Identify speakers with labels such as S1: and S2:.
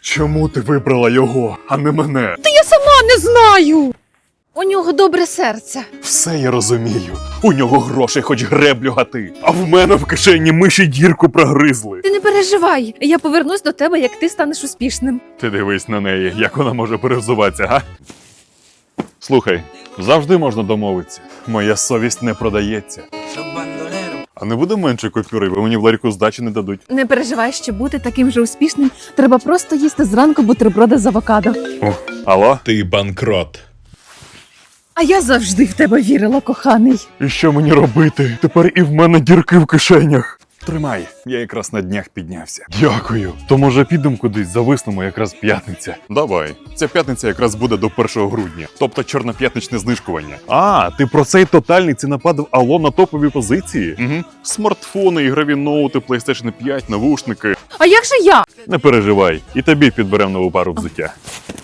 S1: Чому ти вибрала його, а не мене?
S2: Та я сама не знаю. У нього добре серце.
S1: Все я розумію. У нього грошей хоч греблю гати. А в мене в кишені миші дірку прогризли.
S2: Ти не переживай, я повернусь до тебе, як ти станеш успішним.
S1: Ти дивись на неї, як вона може перевзуватися, га? Слухай, завжди можна домовитися. Моя совість не продається. А не буде менше купюри, бо мені в ларьку здачі не дадуть.
S2: Не переживай, що бути таким же успішним, треба просто їсти зранку бутерброди з авокадо.
S1: Алло?
S3: Ти банкрот.
S2: А я завжди в тебе вірила, коханий.
S1: І що мені робити? Тепер і в мене дірки в кишенях. Тримай, я якраз на днях піднявся. Дякую. То може підемо кудись, зависнемо, якраз п'ятниця. Давай. Ця п'ятниця якраз буде до 1 грудня. Тобто чорноп'ятничне знижкування. А, ти про цей тотальний цінопад в Ало на топові позиції? Угу. Смартфони, ігрові ноути, PlayStation 5, навушники.
S2: А як же я?
S1: Не переживай, і тобі підберемо нову пару взуття.